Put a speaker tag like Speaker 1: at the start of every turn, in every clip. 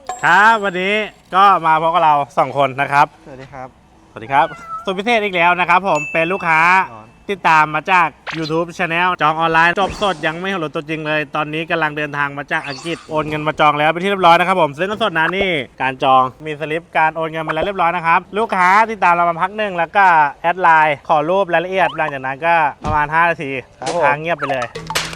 Speaker 1: ครับวันนี้ก็มาพบกับเรา2คนนะครับ
Speaker 2: สวัสดีครับ
Speaker 1: สวัสดีครับสุดพิเศษอีกแล้วนะครับผมเป็นลูกค้าติดตามมาจาก YouTube Channel จองออนไลน์จบสดยังไม่เห็นรถตัวจริงเลยตอนนี้กำลังเดินทางมาจากอังกฤษโอนเงินมาจองแล้วเป็นที่เรียบร้อยนะครับผมซื้อเงินสดนะนี่การจองมีสลิปการโอนเงินมาแล้วเรียบร้อยนะครับลูกค้าติดตามเรามาพักหนึ่งแล้วก็แอดไลน์ขอรูปรายละเอียดหลังจากนั้นก็ประมาณ5 นาทีค้างเงียบไปเลย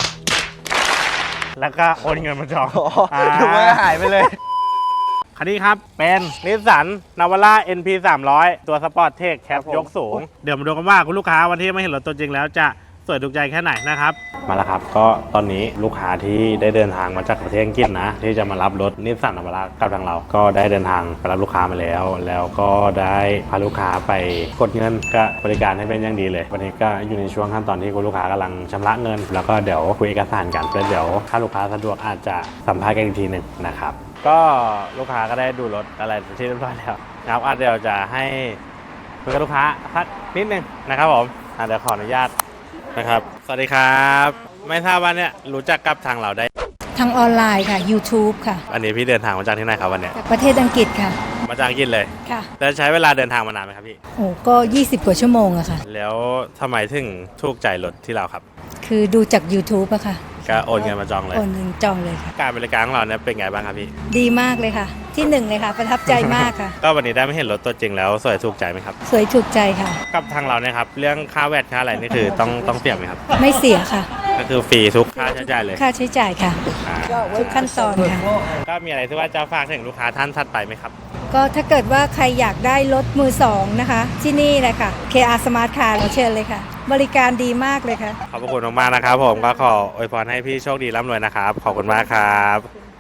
Speaker 1: แล้วก็โอนเงินมาจอง
Speaker 2: ดูว่าหายไปเลย
Speaker 1: คันนี้ครับเป็นนิสสันนาวาร่า NP 300ตัวสปอร์ตเทคแคปยกสูงเดี๋ยวมาดูกันว่าคุณลูกค้าวันที่ไม่เห็นรถตัวจริงแล้วจะสวยถูกใจแค่ไหนนะครับมาแล้วครับก็ตอนนี้ลูกค้าที่ได้เดินทางมาจากประเทศอังกฤษนะที่จะมารับรถนิสสันนาวาร่ากับทางเราก็ได้เดินทางไปรับลูกค้ามาแล้วก็ได้พาลูกค้าไปกดเงินก็บริการให้เป็นอย่างดีเลยวันนี้ก็อยู่ในช่วงขั้นตอนที่คุณลูกค้ากำลังชำระเงินแล้วก็เดี๋ยวคุยเอกสารกันแล้วเดี๋ยวถ้าลูกค้าสะดวกอาจจะสัมภาษณ์กันอีกทีหนึ่งนะครับก็ลูกค้าก็ได้ดูรถอะไรที่เรียบร้อยแล้วนะครับเดี๋ยวจะให้คุยกับลูกค้าสักนิดนึงนะครับผมเดี๋ยวขออนุญาตนะครับสวัสดีครับไม่ทราบว่าเนี่ยรู้จักกับทางเราได้
Speaker 3: ทางออนไลน์ค่ะ YouTube ค่ะ
Speaker 1: อันนี้พี่เดินทางมาจากที่ไหนครับวันนี้
Speaker 3: จากประเทศอังกฤษค่ะ
Speaker 1: มาจากอังกฤษเลย
Speaker 3: ค่ะ
Speaker 1: แล้วใช้เวลาเดินทางมานานไหมครับพี่
Speaker 3: โอ้ก็20 กว่าชั่วโมงอะค่ะ
Speaker 1: แล้วทำไมถึงถูกใจรถที่เราครับ
Speaker 3: คือดูจาก YouTube อะค่ะ
Speaker 1: ก็โอนเงินมาจองเลย
Speaker 3: โอนเงินจองเลยค่ะ
Speaker 1: การบริการของเราเนี่ยเป็นไงบ้างครับพี่
Speaker 3: ดีมากเลยค่ะที่1เลยค่ะประทับใจมากค่ะ
Speaker 1: ก็วันนี้ได้ไม่เห็นรถตัวจริงแล้วสวยถูกใจไหมครับ
Speaker 3: สวยถูกใจค่ะ
Speaker 1: กับทางเราเนี่ยครับเรื่องค่าแวดค่าอะไรนี่คือต้องเสียไหมครับ
Speaker 3: ไม่เสียค่ะ
Speaker 1: ก็คือฟรีทุกค่าใช้จ่ายเลย
Speaker 3: ค่าใช้จ่ายค่ะทุกขั้นตอนค่ะ
Speaker 1: ก็มีอะไรที่ว่าจะฝากถึงลูกค้าท่านถัดไปไหมครับ
Speaker 3: ก็ถ้าเกิดว่าใครอยากได้รถมือ2นะคะที่นี่เลยค่ะ KR Smart Car เชิญเลยค่ะบริการดีมากเลยค่ะ
Speaker 1: ขอบคุณมากๆนะครับผมก็ขออวยพรให้พี่โชคดีร่ำรวยนะครับขอบคุณมากครับ